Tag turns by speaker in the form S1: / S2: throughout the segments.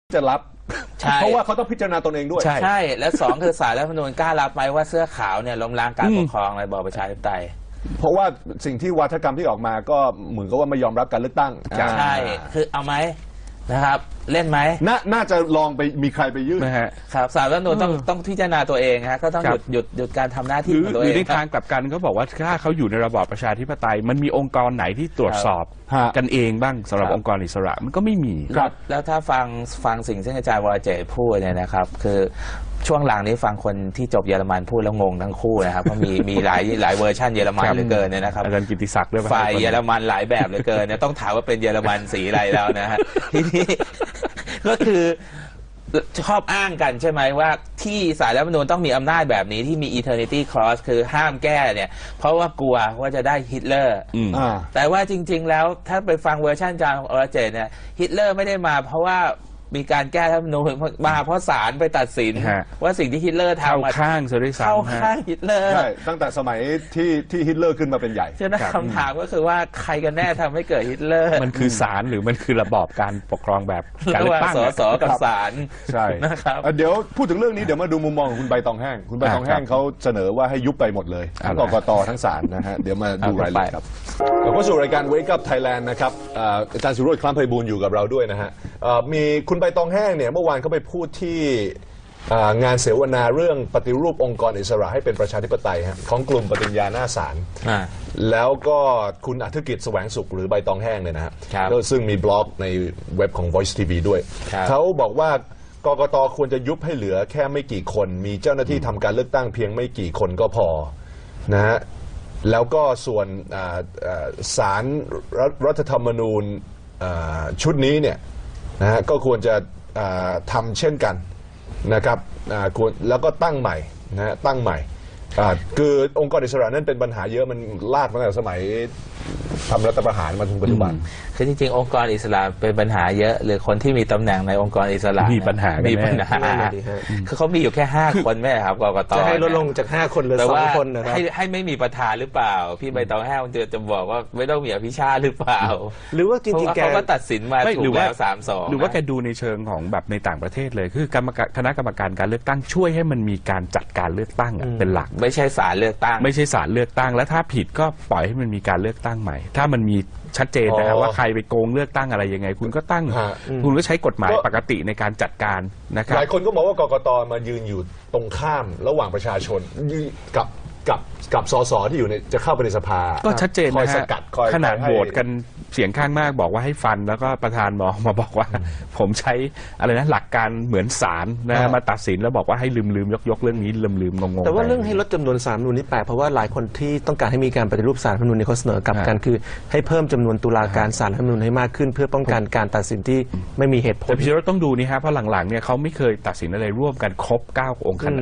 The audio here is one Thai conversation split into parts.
S1: จะรับเพราะว่าเขาต้องพิจารณาตนเองด้วย
S2: ใช่และสองคือศาลรัฐธรรมนูญกล้ารับไหมว่าเสื้อขาวเนี่ยล้มล้างการปกครองในระบอบประชาธิปไตย
S1: เพราะว่าสิ่งที่วาทกรรมที่ออกมาก็เหมือนกับว่าไม่ยอมรับการเลือกตั้ง
S2: ใช่คือเอาไหมนะครับเล่นไหม
S1: น่าจะลองไปมีใครไปยื่น
S2: ครับศาลรัฐธรรมนูญต้องพิจารณาตัวเองฮะก็ต้องหยุดการทำหน้าที่ของตัวเอง
S3: หรือในทางกลับกันก็บอกว่าถ้าเขาอยู่ในระบอบประชาธิปไตยมันมีองค์กรไหนที่ตรวจสอบกันเองบ้างสำหรับองค์กรอิสระมันก็ไม่มี
S2: แล้วถ้าฟังสิ่งที่อาจารย์วรเจตพูดเนี่ยนะครับคือช่วงหลังนี้ฟังคนที่จบเยอรมันพูดแล้วงงทั้งคู่นะครับเพราะมีหลายเวอร์ชันเยอรมันเหลือเกินเนี่ยนะครับ
S3: อาจารย์กิติศักดิ์ด้วย
S2: ฝ่ายเยอรมันหลายแบบเหลือเกินเนี่ยต้องถามว่าเป็นเยอรมันสีอะไรแล้วนะฮะทีนี้ก็คือชอบอ้างกันใช่ไหมว่าที่ศาลรัฐธรรมนูญต้องมีอำนาจแบบนี้ที่มี eternity clause คือห้ามแก้เนี่ยเพราะว่ากลัวว่าจะได้ฮิตเลอร์แต่ว่าจริงๆแล้วถ้าไปฟังเวอร์ชันอาจารย์วรเจตเนี่ยฮิตเลอร์ไม่ได้มาเพราะว่ามีการแก้รัฐธรรมนูญมาเพราะศาลไปตัดสินว่าสิ่งที่ฮิตเลอร์ทำ
S3: เข้าข้างเข้า
S2: ข้างฮิตเลอร์
S1: ใช่ตั้งแต่สมัยที่ฮิตเลอร์ขึ้นมาเป็นใหญ่
S2: ฉะนั้นคำถามก็คือว่าใครกันแน่ทำให้เกิดฮิตเลอร์
S3: มันคือศาลหรือมันคือระบอบการปกครองแบบการเลือกตั้ง
S2: ส.กับศาล
S1: ใช่นะครับเดี๋ยวพูดถึงเรื่องนี้เดี๋ยวมาดูมุมมองของคุณใบตองแห้งคุณใบตองแห้งเขาเสนอว่าให้ยุบไปหมดเลยทั้งกกต.ทั้งศาลนะฮะเดี๋ยวมาดูรายละเอียดครับเราก็สู่รายการ Wake Up Thailand นะครับอาจารย์สุโรจน์ คล้ำไพบูลย์อยู่กับเราด้วยนะฮะมีคุณใบตองแห้งเนี่ยเมื่อวานเขาไปพูดที่งานเสวนาเรื่องปฏิรูปองค์กรอิสระให้เป็นประชาธิปไตยของกลุ่มปฏิญญาหน้าศาลแล้วก็คุณอธิกิจแสวงสุขหรือใบตองแห้งเนี่ยนะฮะซึ่งมีบล็อกในเว็บของ Voice TV ด้วยเขาบอกว่ากกต.ควรจะยุบให้เหลือแค่ไม่กี่คนมีเจ้าหน้าที่ทำการเลือกตั้งเพียงไม่กี่คนก็พอนะฮะแล้วก็ส่วนศาลรัฐธรรมนูญชุดนี้เนี่ยนะฮะก็ควรจะทำเช่นกันนะครับแล้วก็ตั้งใหม่นะฮะตั้งใหม่คือองค์กรอิสระนั้นเป็นปัญหาเยอะมันลากมาตั้งแต่สมัยทำรัฐประหารมาถึงปัจจุบัน
S2: คือจริงๆองค์กรอิสระเป็นปัญหาเยอะหรือคนที่มีตำแหน่งในองค์กรอิสระ
S3: มีปัญหา
S2: คือเขามีอยู่แค่5 คนแม่ครับกกต.
S4: จะให้ลดลงจาก5 คนเหลือ2 คนนะครับ
S2: ให้ไม่มีประธานหรือเปล่าพี่ใบตองแห้งจะบอกว่าไม่ต้องมีอภิชาติหรือเปล่า
S4: หรือว่าจริงๆ
S2: เขาก็ตัดสินมาถูกแล้ว3-2
S3: หรือว่าแกดูในเชิงของแบบในต่างประเทศเลยคือคณะกรรมการการเลือกตั้งช่วยให้มันมีการจัดการเลือกตั้งเป็นหลัก
S2: ไม่ใช่ศาลเลือกตั้ง
S3: ไม่ใช่ศาลเลือกตั้งและถ้าผิดก็ปล่อยให้มันมีการเลือกตั้งใหม่ถ้ามันมีชัดเจนนะครับว่าใครไปโกงเลือกตั้งอะไรยังไงคุณก็ตั้งคุณก็ใช้กฎหมายปกติในการจัดการนะครับ
S1: หลายคนก็มองว่ากกต.มายืนอยู่ตรงข้ามระหว่างประชาชนกับส.ส.ที่อยู่ในจะเข้าไปในสภา
S3: ก็ชัดเจนนะฮะขนาดโหวตกันเสียงข้างมากบอกว่าให้ฟันแล้วก็ประธานมาบอกว่าผมใช้อะไรนะหลักการเหมือนศาลนะมาตัดสินแล้วบอกว่าให้ลืมยกเรื่องนี้ลืมงง
S4: แต่ว่าเรื่องให้ลดจำนวนศาลรัฐธรรมนูญนี่แปลกเพราะว่าหลายคนที่ต้องการให้มีการปฏิรูปศาลรัฐธรรมนูญในข้อเสนอกลับกันคือให้เพิ่มจำนวนตุลาการศาลรัฐธรรมนูญให้มากขึ้นเพื่อป้องกันการตัดสินที่ไม่มีเหตุผล
S3: แต่พี่รถต้องดูนี่ฮะเพราะหลังๆเนี่ยเขาไม่เคยตัดสินอะไรร่วมกันครบ9 องค์คณะ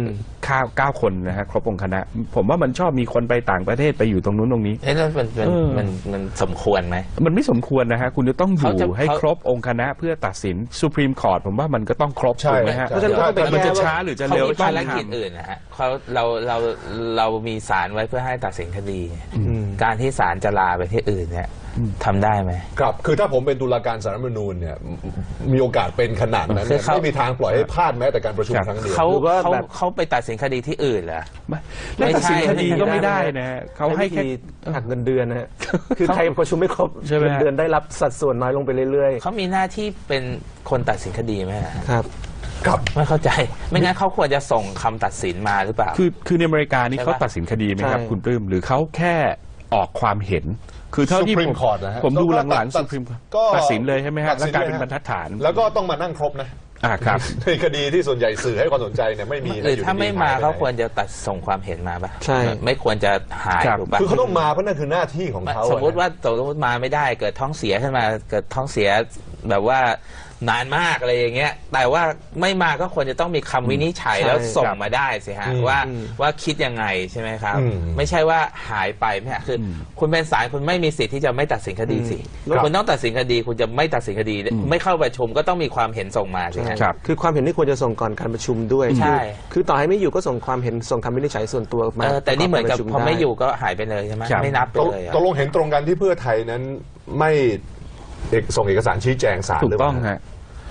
S3: 9 คนนะฮะครบองค์คณะผมว่ามันชอบมีคนไปต่างประเทศไปอยู่ตรงนู้นตรงนี้
S2: มันสมควรไหม
S3: มันไม่สมควรนะฮะคุณจะต้องอยู่ให้ครบองค์คณะเพื่อตัดสินสุพรีมคอร์ตผมว่ามันก็ต้องครบถูกไหมฮะมันจะช้าหรือจะเร็ว
S2: ภารกิจอื่นนะฮะเรามีศาลไว้เพื่อให้ตัดสินคดีการที่ศาลจะลาไปที่อื่นเนี่ยทำได้ไหม
S1: ครับคือถ้าผมเป็นตุลาการศาลรัฐธรรมนูญเนี่ยมีโอกาสเป็นขนาดนั้นไม่มีทางปล่อยให้พลาดแม้แต่การประชุมครั้งเดียว
S2: เขาไปตัดสินคดีที่อื่นเหรอ
S3: ไม่ตัดสินคดีก็ไม่ได้นะเขาให้แค่
S4: หักเงินเดือนนะฮะคือใครประชุมไม่ครบเงินเดือนได้รับสัดส่วนน้อยลงไปเรื่อย
S2: ๆเขามีหน้าที่เป็นคนตัดสินคดีไหม
S4: ครับ
S2: ไม่เข้าใจไม่งั้นเขาควรจะส่งคำตัดสินมาหรือเปล่า
S3: คือในอเมริกานี่เขาตัดสินคดีไหมครับคุณปลื้มหรือเขาแค่ออกความเห็นคือเท่าที่ผมดูหลังๆสุพรีมตัดสินเลยใช่ไหมฮะแล้วกลายเป็นบรรทัดฐาน
S1: แล้วก็ต้องมานั่งครบนะครับในคดีที่ส่วนใหญ่สื่อให้ความสนใจเนี่ยไม่มี
S2: หรือถ้าไม่มาเขาควรจะตัดส่งความเห็นมาป่ะ
S4: ใช่
S2: ไม่ควรจะหายถูกป่ะ
S1: คือเขาต้องมาเพราะนั่นคือหน้าที่ของเขา
S2: สมมติมาไม่ได้เกิดท้องเสียขึ้นมาเกิดท้องเสียแบบว่านานมากอะไรอย่างเงี้ยแต่ว่าไม่มาก็ควรจะต้องมีคำวินิจฉัยแล้วส่งมาได้สิฮะว่าคิดยังไงใช่ไหมครับไม่ใช่ว่าหายไปไม่ฮะคือคุณเป็นศาลคุณไม่มีสิทธิ์ที่จะไม่ตัดสินคดีสิคุณต้องตัดสินคดีคุณจะไม่ตัดสินคดีไม่เข้าประชุมก็ต้องมีความเห็นส่งมาใช่ไหม
S4: ครับคือความเห็นที่ควรจะส่งก่อนการประชุมด้วย
S2: ใช่
S4: คือต่อให้ไม่อยู่ก็ส่งความเห็นส่งคำวินิจฉัยส่วนตัวมา
S2: แต่นี่เหมือนกับพอไม่อยู่ก็หายไปเลยใช่ไหมไม่นับไปเลย
S1: ตกลงเห็นตรงกันที่เพื่อไทยนั้นไม่ส่งเอกสารชี้แจงศาล
S3: ถูกต้องฮะ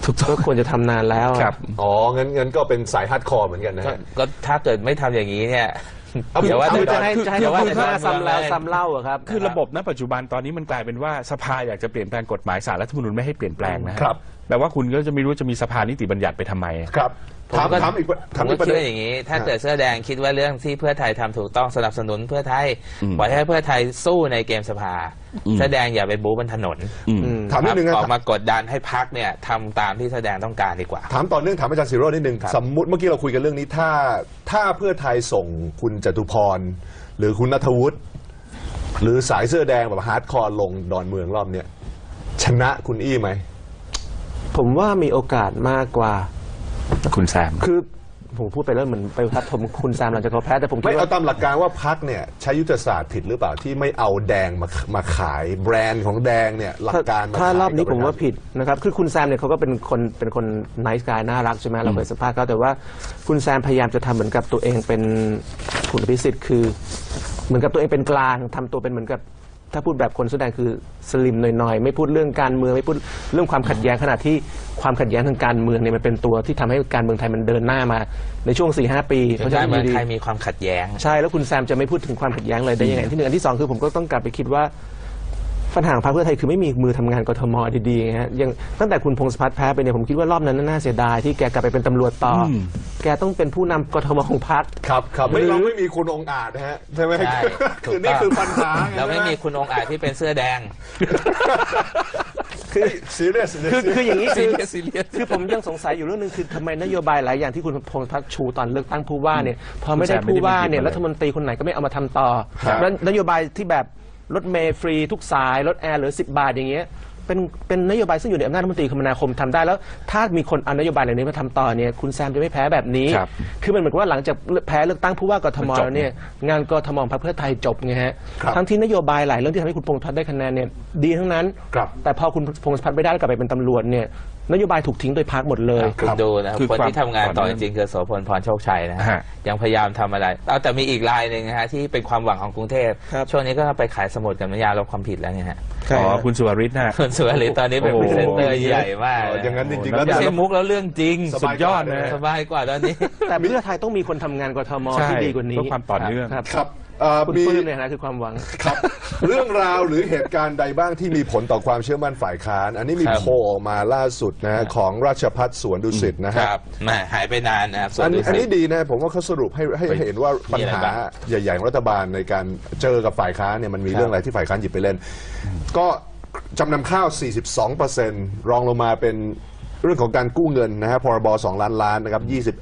S4: ก็ควรจะทำนานแล้วอะ
S3: ครับ
S1: อ๋องั้นก็เป็นสายฮาร์ดคอร์เหมือนกันนะฮะ
S2: ก็ถ้าเกิดไม่ทำอย่างนี้เนี่ย
S1: เอา
S2: เดี๋ยวว่า
S1: คือ
S2: แต่
S4: จะให้
S2: เดี๋ยวว่า
S4: เขา
S2: แต่
S4: พูดซ้ำแล้วซ้ำเล่าอะครับ
S3: คือระบบณปัจจุบันตอนนี้มันกลายเป็นว่าสภาอยากจะเปลี่ยนแปลงกฎหมายศาลรัฐธรรมนูญไม่ให้เปลี่ยนแปลงนะฮะ
S1: ครับ
S3: แปลว่าคุณก็จะไม่รู้จะมีสภานิติบัญญัติไปทำไม
S1: ครับ
S2: ผมก็
S1: ถามอีก
S2: ผ
S1: ถาม
S2: ม
S1: อี
S2: ก็
S1: กประ
S2: คิด
S1: เด็น
S2: ว่าอย่างนี้ ถ้าเกิดเสื้อแดงคิดว่าเรื่องที่เพื่อไทยทำถูกต้องสนับสนุนเพื่อไทย
S3: อืม
S2: ปล่อยให้เพื่อไทยสู้ในเกมสภา
S3: อืม
S2: เสื้อแดงอย่าไปบู๊บนถนน
S1: ถามนิดนึง
S2: อ
S1: นะ
S2: อกมากดดันให้พักเนี่ยทำตามที่แสดงต้องการดีกว่า
S1: ถามต่อเนื่องถามอาจารย์ศิโรจน์นิดนึง
S2: ครับ
S1: สมมุติเมื่อกี้เราคุยกันเรื่องนี้ถ้าเพื่อไทยส่งคุณจตุพรหรือคุณณัฐวุฒิหรือสายเสื้อแดงแบบฮาร์ดคอร์ลงดอนเมืองรอบเนี้ยชนะคุณอี้ไหม
S4: ผมว่ามีโอกาสมากกว่า
S3: คุณแซม
S4: คือผมพูดไปแล้วเหมือนไปทัดทมคุณแซมหลังจากเขาแพ้แต่ผมคิ
S1: ไม่
S4: ด
S1: เอา
S4: ว่า
S1: ตามหลักการว่าพักเนี่ยใช้ยุทธศาสตร์ผิดหรือเปล่าที่ไม่เอาแดงมาขายแบรนด์ของแดงเนี่ยหลักการ
S4: ถ้ารอบนี้
S1: ขย
S4: ผมว่าผิดนะครับคือคุณแซมเนี่ยเขาก็เป็นคนไนส์กายน่ารักใช่ไหมเราเคยสัมภาษณ์เขาแต่ว่าคุณแซมพยายามจะทำเหมือนกับตัวเองเป็นคุณอภิสิทธิ์คือ เหมือนกับตัวเองเป็นกลางทำตัวเป็นเหมือนกับถ้าพูดแบบคนแสดงคือสลิมหน่อยๆไม่พูดเรื่องการเมืองไม่พูดเรื่องความขัดแย้งขณะที่ความขัดแย้งทางการเมืองเนี่ยมันเป็นตัวที่ทำให้การเมืองไทยมันเดินหน้ามาในช่วง 4-5 ปีเพราะฉะ
S2: กา
S4: นั้
S2: ร
S4: น
S2: เมือง
S4: ดี
S2: ไทยมีความขัดแย้ง
S4: ใช่แล้วคุณแซมจะไม่พูดถึงความขัดแย้งเลยได้ยังไงที่หนึ่งอันที่สองคือผมก็ต้องกลับไปคิดว่าปัญหาของพรรคเพื่อไทยคือไม่มีมือทำงานกทมดีๆฮะยังตั้งแต่คุณพงศพัฒน์แพ้ไปเนี่ยผมคิดว่ารอบนั้นน่าเสียดายที่แกกลับไปเป็นตำรวจต่ออแกต้องเป็นผู้นำกทมของพรรค
S1: ครับไม่เราไม่มีคุณองค์อาจนะฮะใช่ไหม
S2: ใช่ถู
S1: คื
S2: ก
S1: อนี่
S2: ต้อง
S1: คือปัญหาไง
S2: แล้วไม่มีคุณองค์อาจที่เป็นเสื้อแดง
S1: คือซีเรียส
S4: คืออย่างนี้คือ
S2: serious
S4: คือผมยังสงสัยอยู่เรื่องหนึงคือทำไมนโยบายหลายอย่างที่คุณพงศพัฒน์ชูตอนเลือกตั้งผู้ว่าเนี่ยพอไม่ได้ผู้ว่าเนี่ยรัฐมนตรีคนไหนก็ไม่เอามาทำต่อแล้วนโยบายที่แบบรถเมล์ฟรีทุกสายรถแอร์เหลือ10 บาทอย่างเงี้ยเป็นนโยบายซึ่งอยู่ในอำนาจรัฐมนตรีคมนาคมทำได้แล้วถ้ามีคนเอานโยบายเหล่านี้มาทำต่อเนี่ยคุณแซมจะไม่แพ้แบบนี้
S3: ครับ
S4: คือมันเหมือนกับว่าหลังจากแพ้เลือกตั้งผู้ว่ากทม
S3: มันจบ
S4: แล้วเนี่ยงานกทมของพรรคเพื่อไทยจบไงฮะ
S1: ครับ
S4: ทั้งที่นโยบายหลายเรื่องที่ทำให้คุณพงศพัฒน์ได้คะแนนเนี่ยดีทั้งนั้น
S1: ครับ
S4: แต่พอคุณพงศพัฒน์ไม่ได้แล้วกลับไปเป็นตำรวจเนี่ยนโยบายถูกทิ้งโดยพรรคหมดเลย
S2: คุณดูนะ
S3: คือ
S2: คนที่
S3: ความ
S2: ทำงานต่อ
S3: ต่อ
S2: จ
S3: เนื่อง
S2: ริงๆคือโสพลพรโชคชัยนะฮะ
S3: ฮะ
S2: ยังพยายามทำอะไรเอาแต่มีอีกรายหนึ่งนะฮะที่เป็นความหวังของกรุงเทพ
S4: ครับ
S2: ช่วงนี้ก็ไปขายสมุดกับน้ำยาลบความผิดแล้วเนี่ยฮะ
S3: อ๋อคุณสุวริตนะ
S2: ส่วนสุวรรณตอนนี้เป็น
S3: โอ้
S2: พ
S3: โห
S2: รีเซนเตอร์ใหญ่มาก
S1: อย่างนั้นจริงๆ
S3: แล้
S1: แล้ว ว
S2: ไม่ใช่มุกแล้วเรื่องจริง
S1: ส
S3: สุ
S1: บา
S3: ด
S1: ย
S3: ยอดนะ
S2: สบายกว่าตอนนี้
S4: แต่เพื่อไทยต้องมีคนทำงานกทม
S3: ใช่
S4: ที่ดีกว่านี้
S3: เพื่อความต่อเนื่อง
S4: ครับ
S1: ครับ
S4: คุณ
S1: มี
S4: ปลื้มเนี่ยนะคือความหวัง
S1: ครับ เรื่องราวหรือเหตุการณ์ใดบ้างที่มีผลต่อความเชื่อมั่นฝ่ายค้าน อันนี้มี
S2: ครับ
S1: โพลออกมาล่าสุดนะฮะของราชพัฒสวนดุสิตนะ
S2: ค
S1: ฮะ
S2: รับแหมหายไปนานนะครับส่ว
S1: อันนี้
S2: ดุสิต
S1: อันนี้ดีนะผมว่าเขาสรุปให้เห็นว่าปัญหา
S2: มีอะไรบ้าง
S1: ใหญ่ๆของรัฐบาลในการเจอกับฝ่ายค้านเนี่ยมันมีเรื่องอะไรที่ฝ่ายค้านหยิบไปเล่น ก็จำนำข้าว 42%รองลงมาเป็นเรื่องของการกู้เงินนะฮะพรบ2 ล้านล้านนะครับ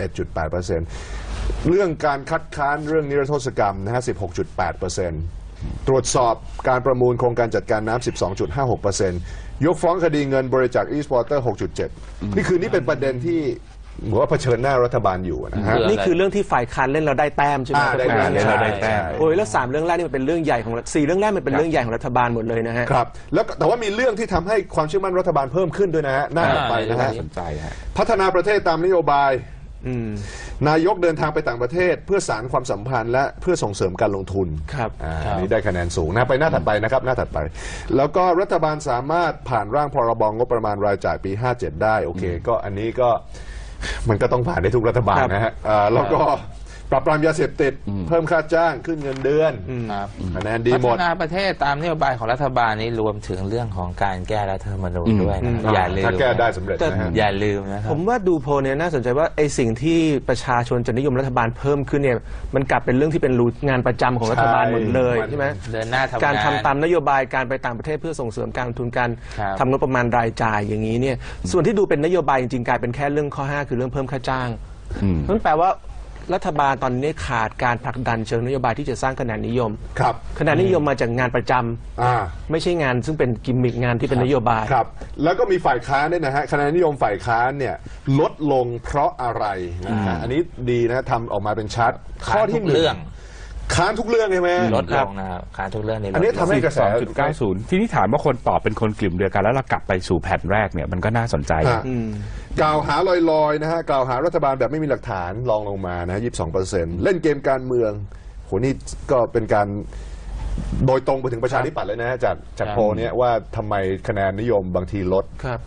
S1: 21.8%เรื่องการคัดค้านเรื่องนิรโทษกรรมนะฮะ 16.8%ตรวจสอบการประมูลโครงการจัดการน้ำ 12.56%ยกฟ้องคดีเงินบริจาคอีสปอร์เตอร์ 6.7 นี่เป็นประเด็นที่เหมือนว่าเผชิญหน้ารัฐบาลอยู่นะฮะ
S2: เรื่อง
S4: นี่คือเรื่องที่ฝ่ายค้านเล่นเราได้แต้มใช่ไหม
S1: ได้แต้ม
S4: ใช่
S3: เราได้แต้ม
S4: โอ้ยแล้ว3เรื่องแรกนี่มันเป็นเรื่องใหญ่ของ4เรื่องแรกมันเป็นเรื่องใหญ่ของรัฐบาลหมดเลยนะฮะ
S1: ครับแล้วแต่ว่ามีเรื่องที่ทำให้ความเชื่อมั่นรัฐบาลเพิ่มขึ้นด้วยนะฮะหน้าถัดไปนะฮะ
S3: สนใจฮะ
S1: พัฒนาประเทศตามนโยบาย
S4: อืม
S1: นายกเดินทางไปต่างประเทศ เพื่อสานความสัมพันธ์และเพื่อส่งเสริมการลงทุน
S4: ครับ
S1: อันนี้ได้คะแนนสูงนะไปหน้าถัดไปนะครับหน้าถัดไป แล้วก็รัฐบาลสามารถผ่านร่างพรบงบประมาณรายจ่ายปี 57 ได้โอเค ก็อันนี้ก็มันก็ต้องผ่านได้ทุกรัฐบาลนะฮะแล้วก็ปราบปรามยาเสพติดเพิ่มค่าจ้างขึ้นเงินเดือน
S2: ครับ
S1: คะแนนดี
S2: พั
S1: หม
S2: ฒ
S1: ด
S2: นาประเทศตามนโยบายของรัฐบาลนี้รวมถึงเรื่องของการแก้รัฐธรรมนูญด้วยนะอย่าลืม
S1: ถ้าแก้ได้สำเร็จนะฮะ
S2: อย่าลืมนะครั
S4: ผ
S2: บ
S4: มว่าดูโพลเนี่ยน่าสนใจว่าไอ้สิ่งที่ประชาชนจะนิยมรัฐบาลเพิ่มขึ้นเนี่ยมันกลับเป็นเรื่องที่เป็นรูทงานประจำของรัฐบาลหมดเลย
S1: ใช่
S4: ใช่ไหม
S2: เดินหน้าทำงาน
S4: การทำตามนโยบายการไปต่างประเทศเพื่อส่งเสริมการลงทุนการ
S2: ครับ
S4: ทำงบประมาณรายจ่ายอย่างนี้เนี่ยส่วนที่ดูเป็นนโยบายจริงๆกลายเป็นแค่เรื่องข้อ 5 คือเรื่องเพิ่มค่าจ้างนั่นแปลว่ารัฐบาลตอนนี้ขาดการผลักดันเชิงนโยบายที่จะสร้างคะแนนนิยม
S1: ครับ
S4: คะแนนนิยมมาจากงานประจำ
S1: อ่า
S4: ไม่ใช่งานซึ่งเป็นกิมมิคงานที่เป็นนโยบาย
S1: ครับ แล้วก็มีฝ่ายค้านด้วยนะฮะคะแนนนิยมฝ่ายค้านเนี่ยลดลงเพราะอะไรนะฮะอันนี้ดีนะทำออกมาเป็นชัดข้อที่หนึ่ง
S2: เรื่อง
S1: ค้านทุกเรื่องใช่ไหม
S2: ลดลงนะครับการทุกเรื่องนี้ลด
S1: อันนี้ทำให้กระแส
S3: 2.90 ที่นี่ถามว่าคนตอบเป็นคนกลุ่มเดียวกันแล้วเรากลับไปสู่แผ่นแรกเนี่ยมันก็น่าสนใจ
S1: ฮะกล่าวหาลอยๆนะฮะกล่าวหารัฐบาลแบบไม่มีหลักฐานลองลงมานะ 22%เล่นเกมการเมืองโหนี่ก็เป็นการโดยตรงไปถึงประชาธิปัตย์เลยนะฮะจากโพลเนี้ยว่าทำไมคะแนนนิยมบางทีลด
S4: ครับ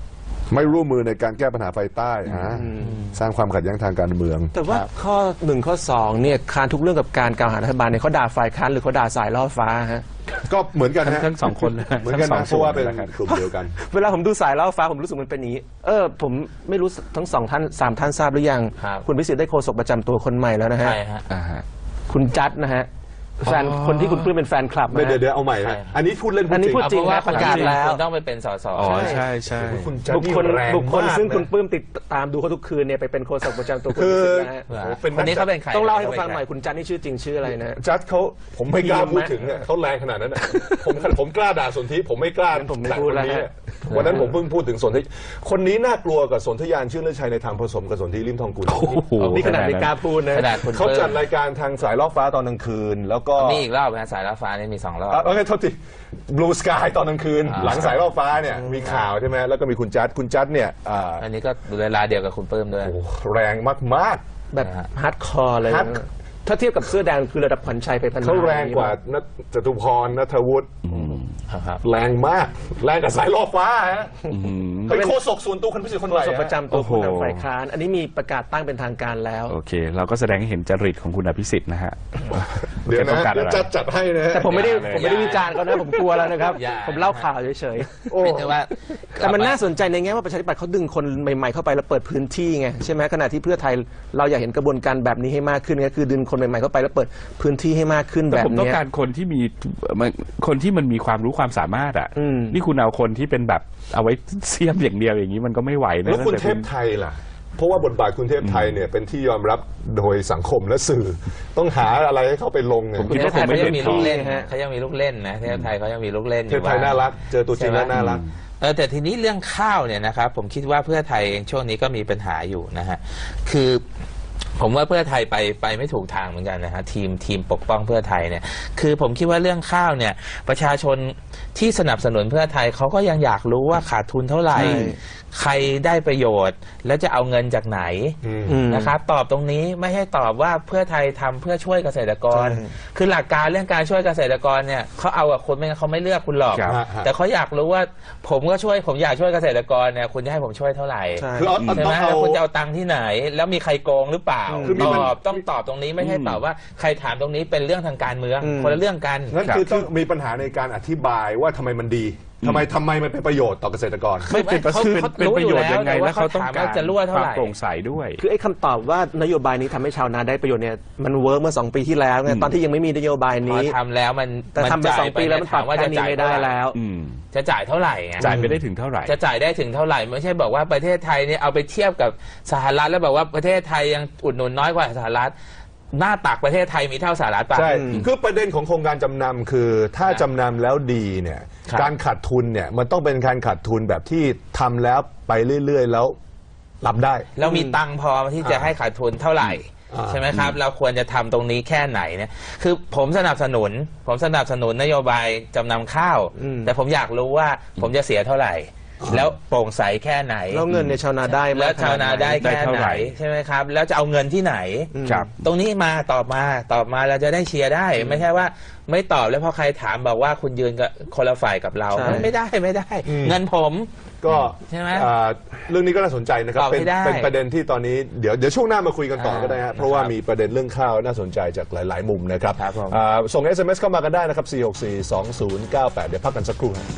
S1: ไม่ร่วมมือในการแก้ปัญหาไฟใต้สร้างความขัดแย้งทางการเมือง
S4: แต่ว่าข้อ 1 ข้อ 2เนี่ยค้านทุกเรื่องกับการกล่าวหารัฐบาลเนี่ยเขาด่าฝ่ายค้านหรือเขาด่าสายล่อฟ้าฮะ
S1: ก็เหมือนกันฮะ
S3: ทั้งสองคนเลย
S1: เหมือนกัน
S3: ทั้ง
S1: นะ
S3: ส
S1: เพ
S3: อง
S1: ราะว่า
S3: ส่
S1: เป็น
S3: วนนะครับ
S1: กลุ่มเดียวกัน
S4: เวลาผมดูสายล่อฟ้าผมรู้สึกมันเป็นอย่างนี้ผมไม่รู้ทั้ง2 ท่าน 3 ท่านทราบหรือยัง
S2: ครับ
S4: คุณพิสิทธิ์ได้โฆษกประจำตัวคนใหม่แล้วนะฮะ
S2: ใช่ฮะ
S4: คุณจัดนะฮะแฟนคนที่คุณปลื้มเป็นแฟนคลับนะฮะ
S1: เดี๋ยวเอาใหม่นะอันนี้พูดเล่น
S4: อันนี้พูด
S1: จริง
S4: จริง
S2: เพราะว่า
S4: ประกาศแล้ว
S2: คุณต้องไปเป็นสส
S3: อ๋อใช่ใช่
S1: คุณจะ
S4: บุคคล
S1: นี่แรง
S4: บุคคล
S1: มาก
S4: ซึ่งคุณ
S1: นะ
S4: ปลื้มติดตามดูเขาทุกคืนเนี่ยไปเป็นโฆษกประจำตัวคุณ
S1: คื
S4: พิ
S1: อ
S4: สิทธิ์นะฮะ
S1: โอ้โหเป็น
S2: คนนี้เขาเป็นใคร
S4: ต้องเล่าให้ฟังหน่อยคุณจัดนี่ชื่อจริงชื่ออะไรนะ
S1: จัดเขาผมไม่กล้าพูดถึงเนี่ยเขาแรงขนาดนั้นน่ะผมกล้าด่าสนธิผมไม่กล้า
S4: ผมไม่
S1: ด่า
S4: พู
S1: ค
S4: ด
S1: น
S4: แล้ว
S1: นี้
S4: ฮะ
S1: วันนั้นผมเพิ่งพูดถึงสนธิคนนี้น่ากลัวกับสนธยานชื่นเลิศชัยในทางผสมกับสนธิริมทองกุล
S3: โอ้โห
S4: นี่ขนาดไม่กล้าพูดนะ
S2: ขนาดคุณ
S1: เขาจัด
S2: ปลื้ม
S1: รายการทางสายล่อฟ้าตอนกลางคืน แล้วก็
S2: มีอีกรอบนะสายล่อฟ้านี่มี2 รอบ
S1: โอเคโทษที Blue Sky ตอนกลางคืน หลังสายล่อฟ้าเนี่ยมีข่าวใช่ไหมแล้วก็มีคุณจัดเนี่ย
S2: อันนี้ก็เวลาเดียวกับคุณปลื้มด้วย
S1: โอ้โหแรงมาก
S4: แบบฮาร์ดคอร์เลย
S1: ฮาร์ด
S4: นะถ้าเทียบกับเสื้อแดงคือระดับขวัญชัยไปพัน
S1: ๆเขาแรงกว่านัทจตุพรณัฐวุฒิ
S2: ครับ
S1: แรงมากแรงกับสายล่อฟ้าฮะเป็นโฆษกส่วนตัวคนพิเศษคนใหม่
S4: โฆษก
S1: ฮะ
S4: ประจำตัว
S3: โอ้โห
S4: ผู้นำฝ่ายค้านอันนี้มีประกาศตั้งเป็นทางการแล้ว
S3: โอเค เราก็แสดงให้เห็นจริตของคุณอภิสิทธิ์นะฮะ
S1: เดี๋ยว
S3: แกต้
S1: นะ
S3: องการ
S1: เดี๋ย
S3: อะ
S1: ว
S3: ไร
S1: จัดให้นะฮะ
S4: แต่ผมไม่ได้
S3: อย่าเลย
S4: ผมไม่ได้วิจารณ์เขานะผมกลัวแล้วนะครับ
S2: อย่า
S4: ผมเล่าข่าวเฉย
S2: ไม่ใช่ว่า
S4: ๆแต่มันน่าสนใจในแง่ว่าประชาธิปัตย์เขาดึงคนใหม่ๆเข้าไปแล้วเปิดพื้นที่ไงใช่ไหมขณะที่เพื่อไทยเราอยากเห็นกระบวนการแบบนี้ให้มากขึ้นก็คือดึงคนใหม่ๆเข้าไปแล้วเปิดพื้นที่ให้มากขึ้น
S3: แต่
S4: แบบ
S3: ผมต้อง
S4: เนี้ย
S3: การคนที่มีคนที่มันมีความรู้ความสามารถอ่ะ
S4: อืม
S3: นี่คุณเอาคนที่เป็นแบบเอาไว้เสียมอย่างเดียวอย่างนี้มันก็ไม่ไหวนะ
S1: แล้วคุณ
S3: ตั้ง
S1: เท
S3: ต่
S1: พไทยล่ะ เพราะว่าบทบาทคุณเทพไทยเนี่ยเป็นที่ยอมรับโดยสังคมและสื่อ ต้องหาอะไรให้เขาไปลงเนี่ย
S3: ผมคิดว่าคงไม่
S2: เขา
S3: เด่
S2: ยัง
S3: น
S2: มี
S3: พ
S2: ลู
S3: อก
S2: เล่นนะเขายังมีลูกเล่นนะเทพไทยเขายังมีลูกเล่นอ
S1: เทพ
S2: ยู่
S1: ไทยน่ารัก เจอตัวจริงแล้วน่ารัก
S2: แต่ทีนี้เรื่องข้าวเนี่ยนะครับผมคิดว่าเพื่อไทยเองช่วงนี้ก็มีปัญหาอยู่นะฮะคือผมว่าเพื่อไทยไปไม่ถูกทางเหมือนกันนะฮะทีมปกป้องเพื่อไทยเนี่ยคือผมคิดว่าเรื่องข้าวเนี่ยประชาชนที่สนับสนุนเพื่อไทยเขาก็ยังอยากรู้ว่าขาดทุนเท่าไหร่
S4: ใช่
S2: ใครได้ประโยชน์แล้วจะเอาเงินจากไหน
S4: อืม
S2: นะครับตอบตรงนี้ไม่ให้ตอบว่าเพื่อไทยทำเพื่อช่วยเกษตรกร
S4: ใช่
S2: คือหลักการเรื่องการช่วยเกษตรกรเนี่ยเขาเอากับคุณไม่งั้นเขาไม่เลือกคุณหรอก
S3: ครับ
S2: แต่เขาอยากรู้ว่าผมอยากช่วยเกษตรกรเนี่ยคุณจะให้ผมช่วยเท่าไหร่
S4: ใช่
S1: คือเอา
S2: ใช่ไหม
S1: เอา
S2: แล้วคุณจะเอาตังค์ที่ไหน แล้วมีใครโกงหรือเปล่า
S1: คือมี
S2: ต
S1: มัน
S2: อบต้องตอบตรงนี้ไม่ใช่ตอบว่าใครถามตรงนี้เป็นเรื่องทางการเมือง
S4: อืม
S2: คนละเรื่องกัน
S1: นั่นคือต้องมีปัญหาในการอธิบายว่าทำไมมันดีทำไมมันเป็นประโยชน์ต่อเกษตรกร
S3: ไม่เป็นประ
S2: เขา
S3: เป็นประโยชน์ยังไง
S2: รู้อยู่แล้ว
S3: แล้วเขาต้อง
S2: แต่ว่าเขาถาม
S3: การ
S2: ว่าจะรั่วเท่า
S3: ควา
S2: ไห
S3: ม
S2: ร่
S3: โปร่งใสด้วย
S4: คือไอ้คำตอบว่านโยบายนี้ทำให้ชาวนาได้ประโยชน์เนี่ยมันเวิร์กเมื่อ2 ปีที่แล้วไงตอนที่ยังไม่มีนโยบาย
S2: พอ
S4: นี้
S2: ทำแล้วมัน
S4: แต่ทำไป
S2: จ่าย
S4: 2 ปีแล้วมันปรับ
S2: ว่า
S4: แค่
S2: จะ
S4: นี้
S2: จ่าย
S4: ไม่ได้แล้ว
S3: อืม
S2: จะจ่ายเท่าไหร่ไง
S3: จ่ายไปได้ถึงเท่าไหร่
S2: จะจ่ายได้ถึงเท่าไหร่ไม่ใช่บอกว่าประเทศไทยเนี่ยเอาไปเทียบกับสหรัฐแล้วบอกว่าประเทศไทยยังอุดหนุนน้อยกว่าสหรัฐหน้าตักประเทศไทยมีเท่าสหรัฐป่ะ
S1: ใช่ คือประเด็นของโครงการจำนำคือถ้าจำนำแล้วดีเนี่ย
S2: ครับ
S1: การขาดทุนเนี่ยมันต้องเป็นการขาดทุนแบบที่ทำแล้วไปเรื่อยๆ แล้วรับได้
S2: เรามีตังค์พอที่จะให้ขาดทุนเท่าไหร่ ใช่ไหมครับ เราควรจะทำตรงนี้แค่ไหนเนี่ยคือผมสนับสนุนนโยบายจำนำข้าว แต่ผมอยากรู้ว่าผมจะเสียเท่าไหร่ แล้วโปร่งใสแค่ไหน
S4: แล้วเงินในยชาวนาได้มก
S2: แล้วชาวนาได้
S3: ได้
S2: แค่
S3: เท่า
S2: ไห
S3: ไห
S2: น
S3: ร่
S2: ใช่ไหมครับ แล้วจะเอาเงินที่ไหน
S3: ครับ
S2: ตรงนี้มาตอบมาเราจะได้เชียร์ได้ ไม่ใช่ว่าไม่ตอบแล้วพอใครถามบอกว่าคุณยืนกับคนละฝ่ายกับเรา
S4: ใช่
S2: ไม่ได้เงินผม
S1: ก็
S2: ใช่ไหม
S1: เรื่องนี้ก็น่าสนใจนะครับ
S2: ตอบให้ได้
S1: เป็นประเด็นที่ตอนนี้เดี๋ยวช่วงหน้ามาคุยกันต่อก็ได้ฮะเพราะว่า
S2: ครับ
S1: มีประเด็นเรื่องข้าวน่าสนใจจากหลาย ๆ มุมนะครับ
S2: ครับผม
S1: ส่ง SMS เข้ามากันได้นะครับ 4642098 เดี๋ยวพักกันสักครู่ครับ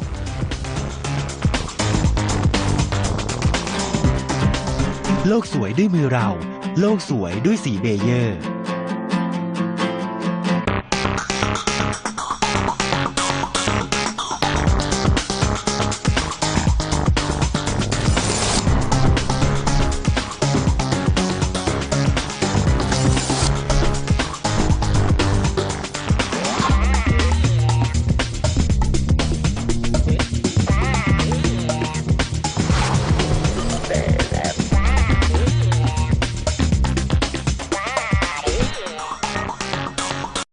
S5: โลกสวยด้วยมือเรา โลกสวยด้วยสีเบเยอร์